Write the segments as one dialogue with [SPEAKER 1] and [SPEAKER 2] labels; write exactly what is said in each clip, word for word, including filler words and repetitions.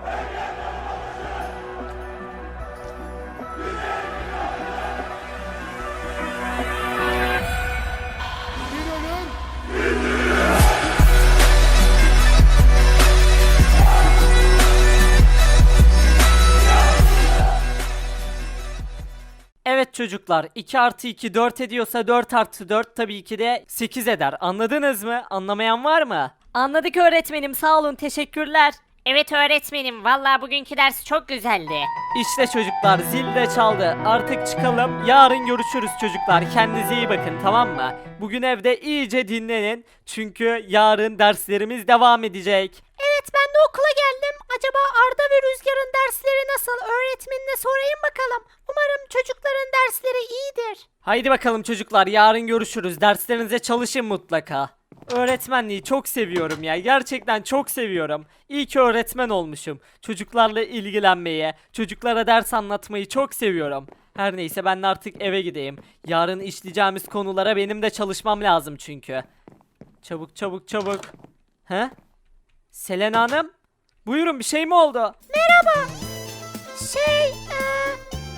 [SPEAKER 1] Evet çocuklar, iki artı iki dört ediyorsa dört artı dört tabii ki de sekiz eder. Anladınız mı? Anlamayan var mı?
[SPEAKER 2] Anladık öğretmenim, sağ olun, teşekkürler. Evet öğretmenim, vallahi bugünkü ders çok güzeldi.
[SPEAKER 1] İşte çocuklar, zil de çaldı. Artık çıkalım. Yarın görüşürüz çocuklar. Kendinize iyi bakın, tamam mı? Bugün evde iyice dinlenin. Çünkü yarın derslerimiz devam edecek.
[SPEAKER 2] Evet, ben de okula geldim. Acaba Arda ve Rüzgar'ın dersleri nasıl? Öğretmenine sorayım bakalım. Umarım çocukların dersleri iyidir.
[SPEAKER 1] Haydi bakalım çocuklar, yarın görüşürüz. Derslerinize çalışın mutlaka. Öğretmenliği çok seviyorum ya. Gerçekten çok seviyorum. İyi ki öğretmen olmuşum. Çocuklarla ilgilenmeyi, çocuklara ders anlatmayı çok seviyorum. Her neyse, ben de artık eve gideyim. Yarın işleyeceğimiz konulara benim de çalışmam lazım çünkü. Çabuk çabuk çabuk. He? Selena Hanım? Buyurun, bir şey mi oldu?
[SPEAKER 2] Merhaba. Şey, eee...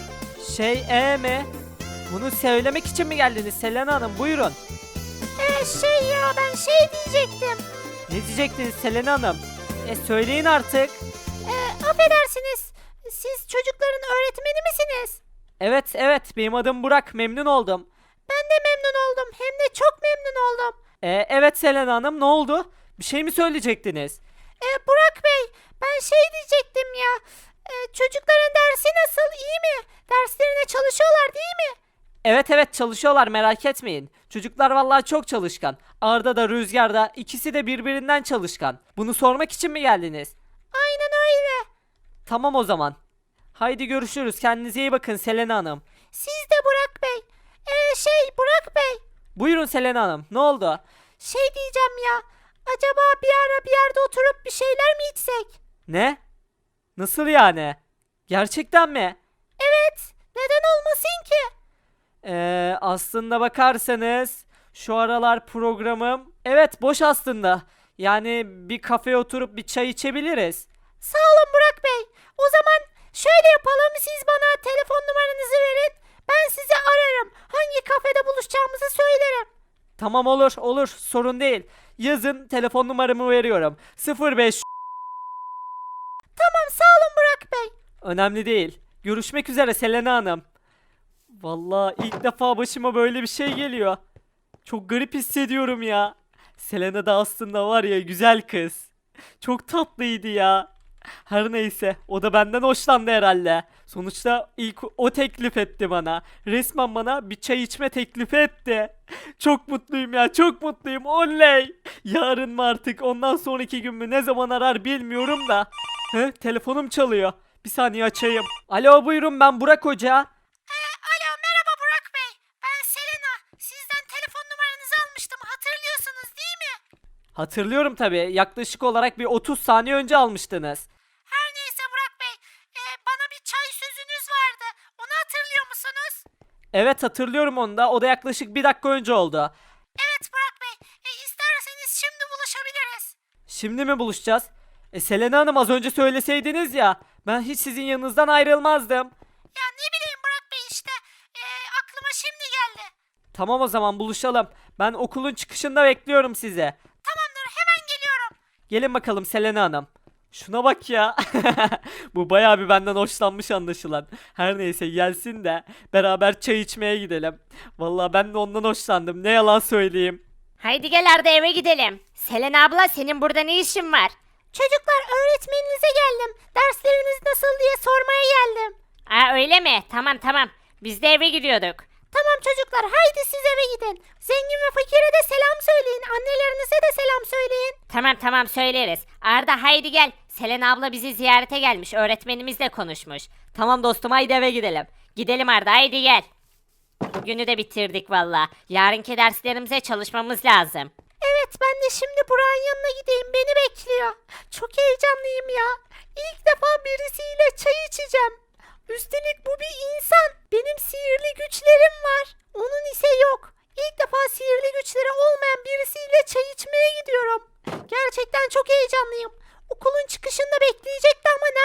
[SPEAKER 1] Şey e mi? Bunu söylemek için mi geldiniz Selena Hanım? Buyurun.
[SPEAKER 2] E, şey ya, ben şey diyecektim.
[SPEAKER 1] Ne diyecektiniz Selena Hanım? E söyleyin artık.
[SPEAKER 2] E, affedersiniz. Siz çocukların öğretmeni misiniz?
[SPEAKER 1] Evet evet, benim adım Burak, memnun oldum.
[SPEAKER 2] Ben de memnun oldum. Hem de çok memnun oldum.
[SPEAKER 1] E, evet Selena Hanım, ne oldu? Bir şey mi söyleyecektiniz?
[SPEAKER 2] E, Burak Bey, ben şey diyecektim ya. E, çocukların dersi nasıl? İyi mi? Derslerine çalışıyorlar değil mi?
[SPEAKER 1] Evet evet, çalışıyorlar, merak etmeyin. Çocuklar vallahi çok çalışkan. Arda da Rüzgar da, ikisi de birbirinden çalışkan. Bunu sormak için mi geldiniz?
[SPEAKER 2] Aynen öyle.
[SPEAKER 1] Tamam o zaman. Haydi görüşürüz, kendinize iyi bakın Selena Hanım.
[SPEAKER 2] Siz de Burak Bey. E, şey Burak Bey.
[SPEAKER 1] Buyurun Selena Hanım, ne oldu?
[SPEAKER 2] Şey diyeceğim ya. Acaba bir ara bir yerde oturup bir şeyler mi içsek?
[SPEAKER 1] Ne? Nasıl yani? Gerçekten mi?
[SPEAKER 2] Evet. Neden olmasın ki?
[SPEAKER 1] Ee, aslında bakarsanız şu aralar programım evet boş aslında. Yani bir kafeye oturup bir çay içebiliriz.
[SPEAKER 2] Sağ olun Burak Bey. O zaman şöyle yapalım. Siz bana telefon numaranızı verin. Ben sizi ararım. Hangi kafede buluşacağımızı söylerim.
[SPEAKER 1] Tamam, olur olur, sorun değil. Yazın, telefon numaramı veriyorum. sıfır beş.
[SPEAKER 2] Tamam, sağ olun Burak Bey.
[SPEAKER 1] Önemli değil. Görüşmek üzere Selena Hanım. Vallahi ilk defa başıma böyle bir şey geliyor. Çok garip hissediyorum ya. Selena da aslında var ya, güzel kız. Çok tatlıydı ya. Her neyse, o da benden hoşlandı herhalde. Sonuçta ilk o teklif etti bana. Resmen bana bir çay içme teklifi etti. Çok mutluyum ya, çok mutluyum, oley. Yarın mı artık, ondan sonraki gün mü, ne zaman arar bilmiyorum da. He, telefonum çalıyor. Bir saniye açayım. Alo, buyurun, ben Burak Hoca.
[SPEAKER 2] Alo, merhaba Burak Bey. Ben Selena. Sizden telefon numaranızı almıştım. Hatırlıyorsunuz değil mi?
[SPEAKER 1] Hatırlıyorum tabii. Yaklaşık olarak bir otuz saniye önce almıştınız.
[SPEAKER 2] Her neyse Burak Bey. e, bana bir çay sözünüz vardı. Onu hatırlıyor musunuz?
[SPEAKER 1] Evet, hatırlıyorum onu da. O da yaklaşık bir dakika önce oldu.
[SPEAKER 2] Evet Burak Bey. E, isterseniz şimdi buluşabiliriz.
[SPEAKER 1] Şimdi mi buluşacağız? E Selena Hanım, az önce söyleseydiniz ya. Ben hiç sizin yanınızdan ayrılmazdım.
[SPEAKER 2] Ya ne bileyim Burak Bey işte. E, aklıma şimdi geldi.
[SPEAKER 1] Tamam, o zaman buluşalım. Ben okulun çıkışında bekliyorum sizi.
[SPEAKER 2] Tamamdır, hemen geliyorum.
[SPEAKER 1] Gelin bakalım Selena Hanım. Şuna bak ya. Bu bayağı bir benden hoşlanmış anlaşılan. Her neyse, gelsin de beraber çay içmeye gidelim. Vallahi ben de ondan hoşlandım. Ne yalan söyleyeyim.
[SPEAKER 2] Haydi gel Arda, eve gidelim. Selena abla, senin burada ne işin var? Çocuklar, öğretmeninize geldim. Dersleriniz nasıl diye sormaya geldim.
[SPEAKER 3] Aa öyle mi? Tamam tamam. Biz de eve gidiyorduk.
[SPEAKER 2] Tamam çocuklar, haydi siz eve gidin. Zengin ve fakire de selam söyleyin. Annelerinize de selam söyleyin.
[SPEAKER 3] Tamam tamam söyleriz. Arda haydi gel. Selena abla bizi ziyarete gelmiş. Öğretmenimizle konuşmuş.
[SPEAKER 1] Tamam dostum, haydi eve gidelim.
[SPEAKER 3] Gidelim Arda haydi gel. Bugünü de bitirdik valla. Yarınki derslerimize çalışmamız lazım.
[SPEAKER 2] Evet, ben de şimdi Burak'ın yanına gideyim. Beni bekliyor. Çok heyecanlıyım ya. İlk defa birisiyle çay içeceğim. Üstelik bu bir insan. Benim sihirli güçlerim var. Onun ise yok. İlk defa sihirli güçleri olmayan birisiyle çay içmeye gidiyorum. Gerçekten çok heyecanlıyım. Okulun çıkışında bekleyecekti ama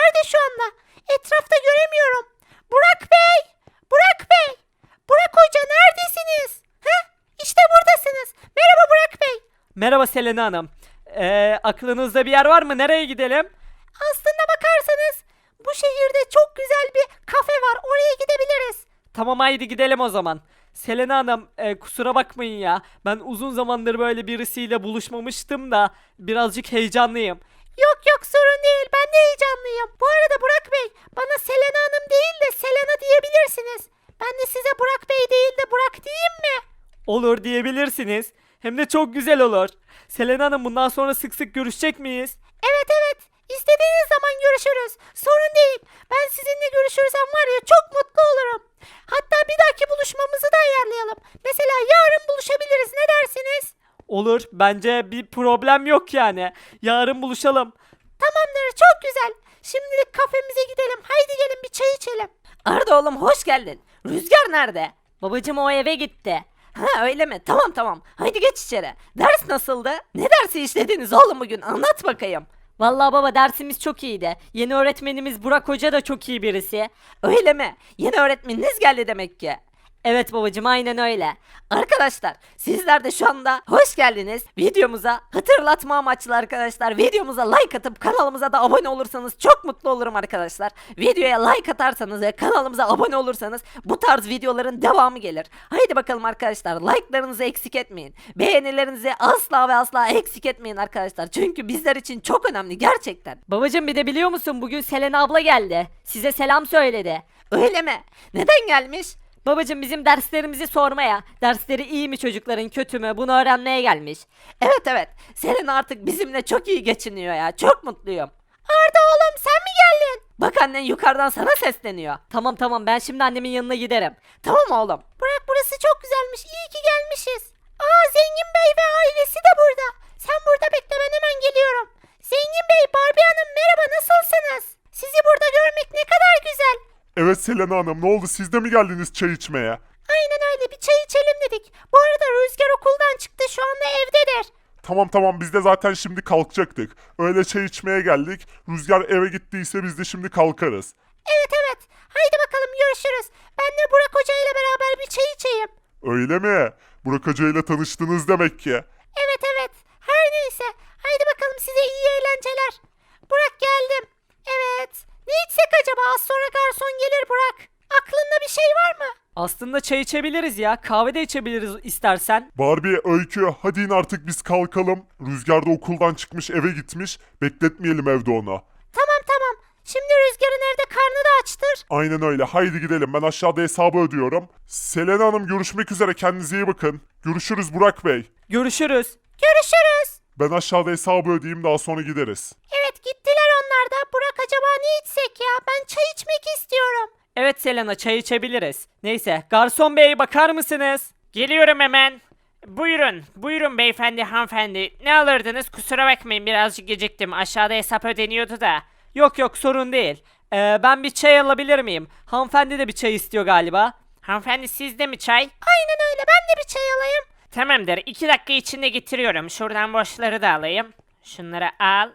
[SPEAKER 2] anda. Etrafta göremiyorum. Burak Bey! Burak Bey! Burak Hoca neredesiniz? Heh, işte buradasınız. Merhaba Burak Bey.
[SPEAKER 1] Merhaba Selena Hanım. Ee, aklınızda bir yer var mı? Nereye gidelim?
[SPEAKER 2] Aslında bakarsanız bu şehirde çok güzel bir kafe var. Oraya gidebiliriz.
[SPEAKER 1] Tamam haydi gidelim o zaman. Selena Hanım e, kusura bakmayın ya. Ben uzun zamandır böyle birisiyle buluşmamıştım da birazcık heyecanlıyım.
[SPEAKER 2] Yok yok sorun değil. Ben de heyecanlıyım. Bu arada Burak Bey bana Selena Hanım değil de Selena diyebilirsiniz. Ben de size Burak Bey değil de Burak diyeyim mi?
[SPEAKER 1] Olur diyebilirsiniz. Hem de çok güzel olur. Selena Hanım bundan sonra sık sık görüşecek miyiz?
[SPEAKER 2] Evet evet. İstediğiniz zaman görüşürüz. Sorun değil. Ben sizinle görüşürsem var ya çok mutlu olurum. Hatta bir dahaki buluşmamızı da ayarlayalım. Mesela yarın buluşabiliriz. Ne dersiniz?
[SPEAKER 1] Olur. Bence bir problem yok yani. Yarın buluşalım.
[SPEAKER 2] Tamamdır. Çok güzel. Şimdilik kafemize gidelim. Haydi gelin bir çay içelim.
[SPEAKER 3] Arda oğlum hoş geldin. Rüzgar nerede? Babacım o eve gitti. Ha öyle mi? Tamam tamam. Haydi geç içeri. Ders nasıldı? Ne dersi işlediniz oğlum bugün? Anlat bakayım. Vallahi baba dersimiz çok iyiydi. Yeni öğretmenimiz Burak Hoca da çok iyi birisi. Öyle mi? Yeni öğretmeniniz geldi demek ki. Evet babacım aynen öyle. Arkadaşlar sizler de şu anda hoş geldiniz. Videomuza hatırlatma amaçlı arkadaşlar. Videomuza like atıp kanalımıza da abone olursanız çok mutlu olurum arkadaşlar. Videoya like atarsanız ve kanalımıza abone olursanız bu tarz videoların devamı gelir. Haydi bakalım arkadaşlar like'larınızı eksik etmeyin. Beğenilerinizi asla ve asla eksik etmeyin arkadaşlar. Çünkü bizler için çok önemli gerçekten. Babacım bir de biliyor musun bugün Selena abla geldi. Size selam söyledi. Öyle mi? Neden gelmiş? Babacım bizim derslerimizi sormaya, dersleri iyi mi çocukların kötü mü bunu öğrenmeye gelmiş. Evet evet, Selena artık bizimle çok iyi geçiniyor ya, çok mutluyum.
[SPEAKER 2] Arda oğlum sen mi geldin?
[SPEAKER 3] Bak annen yukarıdan sana sesleniyor. Tamam tamam ben şimdi annemin yanına giderim. Tamam oğlum.
[SPEAKER 2] Burak burası çok güzelmiş. İyi ki gelmişiz. Aa Zengin Bey ve ailesi de burada. Sen burada bekle ben hemen geliyorum. Zengin Bey, Barbie Hanım merhaba nasılsınız? Sizi burada görmek ne kadar güzel.
[SPEAKER 4] Evet Selena Hanım, ne oldu, siz de mi geldiniz çay içmeye?
[SPEAKER 2] Aynen öyle bir çay içelim dedik. Bu arada Rüzgar okuldan çıktı şu anda evdedir.
[SPEAKER 4] Tamam tamam, biz de zaten şimdi kalkacaktık. Öyle çay içmeye geldik. Rüzgar eve gittiyse biz de şimdi kalkarız.
[SPEAKER 2] Evet evet. Haydi bakalım görüşürüz. Ben de Burak Hoca ile beraber bir çay içeyim.
[SPEAKER 4] Öyle mi? Burak Hoca ile tanıştınız demek ki.
[SPEAKER 2] Evet evet. Her neyse. Haydi bakalım size iyi eğlenceler. Burak geldim. Evet. Ne içsek acaba? Az sonra garson gelir Burak. Aklında bir şey var mı?
[SPEAKER 1] Aslında çay içebiliriz ya. Kahve de içebiliriz istersen.
[SPEAKER 4] Barbie, Öykü, hadi in artık biz kalkalım. Rüzgar da okuldan çıkmış, eve gitmiş. Bekletmeyelim evde onu.
[SPEAKER 2] Tamam tamam. Şimdi Rüzgar'ın evde karnı da açtır.
[SPEAKER 4] Aynen öyle, haydi gidelim, ben aşağıda hesabı ödüyorum. Selena Hanım görüşmek üzere, kendinize iyi bakın. Görüşürüz Burak Bey.
[SPEAKER 1] Görüşürüz.
[SPEAKER 2] Görüşürüz.
[SPEAKER 4] Ben aşağıda hesabı ödeyeyim, daha sonra gideriz.
[SPEAKER 2] Evet gittiler onlar da. Burak acaba ne içsek ya? Ben çay içmek istiyorum.
[SPEAKER 1] Evet Selena çay içebiliriz. Neyse garson bey bakar mısınız?
[SPEAKER 5] Geliyorum hemen. Buyurun, buyurun beyefendi, hanımefendi. Ne alırdınız? Kusura bakmayın birazcık geciktim. Aşağıda hesap ödeniyordu da.
[SPEAKER 1] Yok yok sorun değil. Ee, ben bir çay alabilir miyim? Hanımefendi de bir çay istiyor galiba.
[SPEAKER 5] Hanımefendi sizde mi çay?
[SPEAKER 2] Aynen öyle. Ben de bir çay alayım.
[SPEAKER 5] Tamamdır. iki dakika içinde getiriyorum. Şuradan boşları da alayım. Şunları al.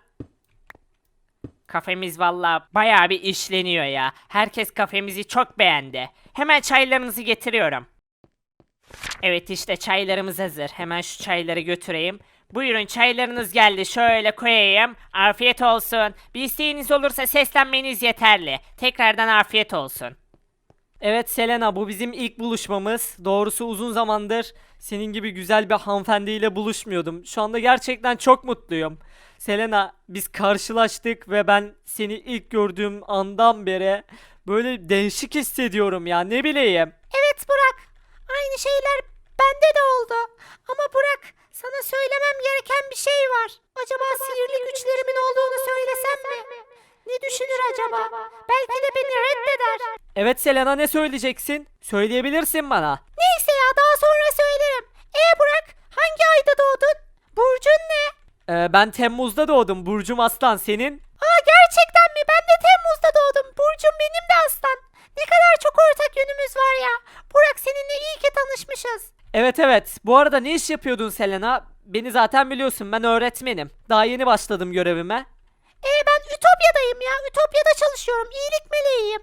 [SPEAKER 5] Kafemiz valla bayağı bir işleniyor ya. Herkes kafemizi çok beğendi. Hemen çaylarınızı getiriyorum. Evet işte çaylarımız hazır. Hemen şu çayları götüreyim. Buyurun çaylarınız geldi. Şöyle koyayım. Afiyet olsun. Bir isteğiniz olursa seslenmeniz yeterli. Tekrardan afiyet olsun.
[SPEAKER 1] Evet Selena bu bizim ilk buluşmamız. Doğrusu uzun zamandır senin gibi güzel bir hanımefendiyle buluşmuyordum. Şu anda gerçekten çok mutluyum. Selena biz karşılaştık ve ben seni ilk gördüğüm andan beri böyle değişik hissediyorum ya ne bileyim.
[SPEAKER 2] Evet Burak. Aynı şeyler bende de oldu. Ama Burak sana söylemem gereken bir şey var. Acaba sihirli güçlerimin olduğunu söylesem mi? Ne düşünür acaba? Belki de beni reddeder.
[SPEAKER 1] Evet Selena ne söyleyeceksin? Söyleyebilirsin bana.
[SPEAKER 2] Neyse ya daha sonra söylerim. E Burak hangi ayda doğdun? Burcun ne?
[SPEAKER 1] Ee, ben Temmuz'da doğdum. Burcum Aslan senin?
[SPEAKER 2] Aa gerçekten mi? Ben de Temmuz'da doğdum. Burcum benim de aslan. Ne kadar çok ortak yönümüz var ya. Burak seninle iyi ki tanışmışız.
[SPEAKER 1] Evet evet. Bu arada ne iş yapıyordun Selena? Beni zaten biliyorsun ben öğretmenim. Daha yeni başladım görevime.
[SPEAKER 2] E ben Ütopya'dayım ya. Ütopya'da çalışıyorum. çalışıyorum. İyilik meleğiyim.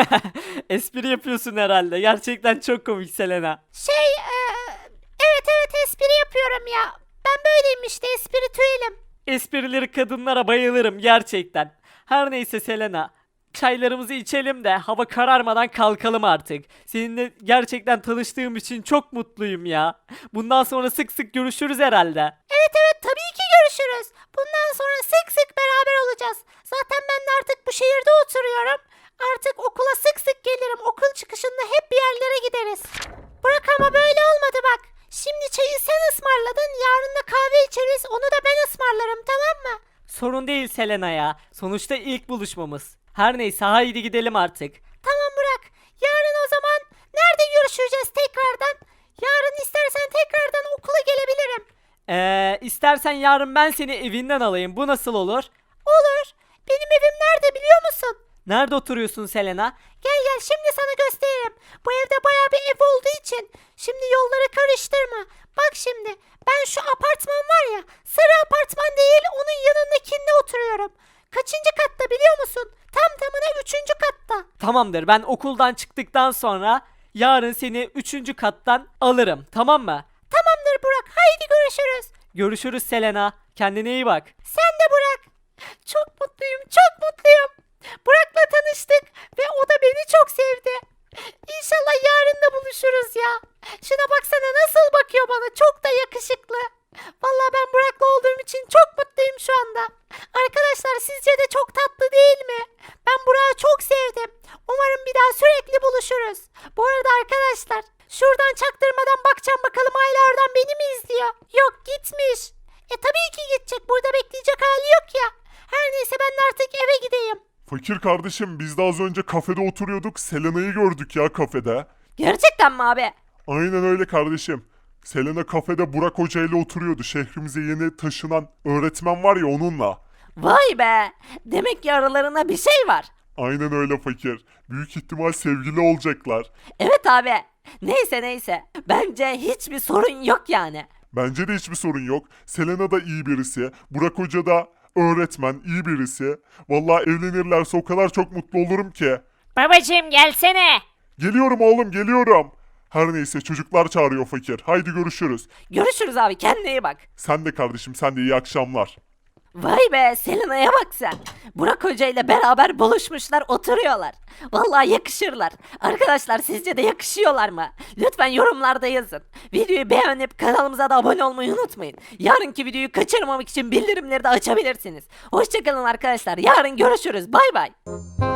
[SPEAKER 1] Espri yapıyorsun herhalde. Gerçekten çok komik Selena.
[SPEAKER 2] Şey e, evet evet espri yapıyorum ya. Ben böyleyim işte espritüelim.
[SPEAKER 1] Esprileri kadınlara bayılırım gerçekten. Her neyse Selena. Çaylarımızı içelim de hava kararmadan kalkalım artık. Seninle gerçekten tanıştığım için çok mutluyum ya. Bundan sonra sık sık görüşürüz herhalde.
[SPEAKER 2] Evet evet tabii ki görüşürüz. Bundan sonra sık sık beraber olacağız. Zaten ben de artık bu şehirde oturuyorum. Artık okula sık sık gelirim. Okul çıkışında hep bir yerlere gideriz. Burak ama böyle olmadı bak. Şimdi çayı sen ısmarladın. Yarın da kahve içeriz. Onu da ben ısmarlarım tamam mı?
[SPEAKER 1] Sorun değil Selena ya. Sonuçta ilk buluşmamız. Her neyse haydi gidelim artık.
[SPEAKER 2] Tamam Burak. Yarın o zaman nerede görüşeceğiz tekrardan? Yarın istersen tekrardan okula gelebilirim.
[SPEAKER 1] Eee istersen yarın ben seni evinden alayım. Bu nasıl olur?
[SPEAKER 2] Olur. Benim evim nerede biliyor musun?
[SPEAKER 1] Nerede oturuyorsun Selena?
[SPEAKER 2] Gel gel şimdi sana gösteririm. Bu evde baya bir ev olduğu için. Şimdi yolları karıştırma. Bak şimdi ben şu apartman var ya sarı apartman değil onun yanındakinde oturuyorum. Kaçıncı katta biliyor musun? Tam tamına üçüncü katta.
[SPEAKER 1] Tamamdır, ben okuldan çıktıktan sonra yarın seni üçüncü kattan alırım, tamam mı?
[SPEAKER 2] Tamamdır Burak haydi görüşürüz.
[SPEAKER 1] Görüşürüz Selena. Kendine iyi bak.
[SPEAKER 2] Sen de Burak. Çok mutluyum çok mutluyum. Burak'la tanıştık ve o da beni çok sevdi. İnşallah yarın da buluşuruz ya. Şuna baksana nasıl bakıyor bana çok da yakışıklı. Vallahi ben Burak'la olduğum için çok mutluyum şu anda. Arkadaşlar sizce de çok tatlı değil mi? Ben Burak'ı çok sevdim. Umarım bir daha sürekli buluşuruz. Bu arada arkadaşlar şuradan çaktırmadan bakacağım bakalım hala oradan beni mi izliyor? Yok gitmiş. E tabii ki gidecek burada bekleyecek hali yok ya. Her neyse ben de artık eve gideyim.
[SPEAKER 4] Fakir kardeşim biz de az önce kafede oturuyorduk. Selena'yı gördük ya kafede.
[SPEAKER 3] Gerçekten mi abi?
[SPEAKER 4] Aynen öyle kardeşim. Selena kafede Burak Hoca ile oturuyordu. Şehrimize yeni taşınan öğretmen var ya onunla.
[SPEAKER 3] Vay be. Demek ki aralarında bir şey var.
[SPEAKER 4] Aynen öyle fakir. Büyük ihtimal sevgili olacaklar.
[SPEAKER 3] Evet abi. Neyse neyse. Bence hiçbir sorun yok yani.
[SPEAKER 4] Bence de hiçbir sorun yok. Selena da iyi birisi. Burak Hoca da öğretmen, iyi birisi. Vallahi evlenirlerse o kadar çok mutlu olurum ki.
[SPEAKER 5] Babacım gelsene.
[SPEAKER 4] Geliyorum oğlum, geliyorum. Her neyse çocuklar çağırıyor fakir. Haydi görüşürüz.
[SPEAKER 3] Görüşürüz abi kendine iyi bak.
[SPEAKER 4] Sen de kardeşim, sen de iyi akşamlar.
[SPEAKER 3] Vay be Selena'ya bak sen. Burak Hoca ile beraber buluşmuşlar oturuyorlar. Vallahi yakışırlar. Arkadaşlar sizce de yakışıyorlar mı? Lütfen yorumlarda yazın. Videoyu beğenip kanalımıza da abone olmayı unutmayın. Yarınki videoyu kaçırmamak için bildirimleri de açabilirsiniz. Hoşçakalın arkadaşlar. Yarın görüşürüz. Bay bay.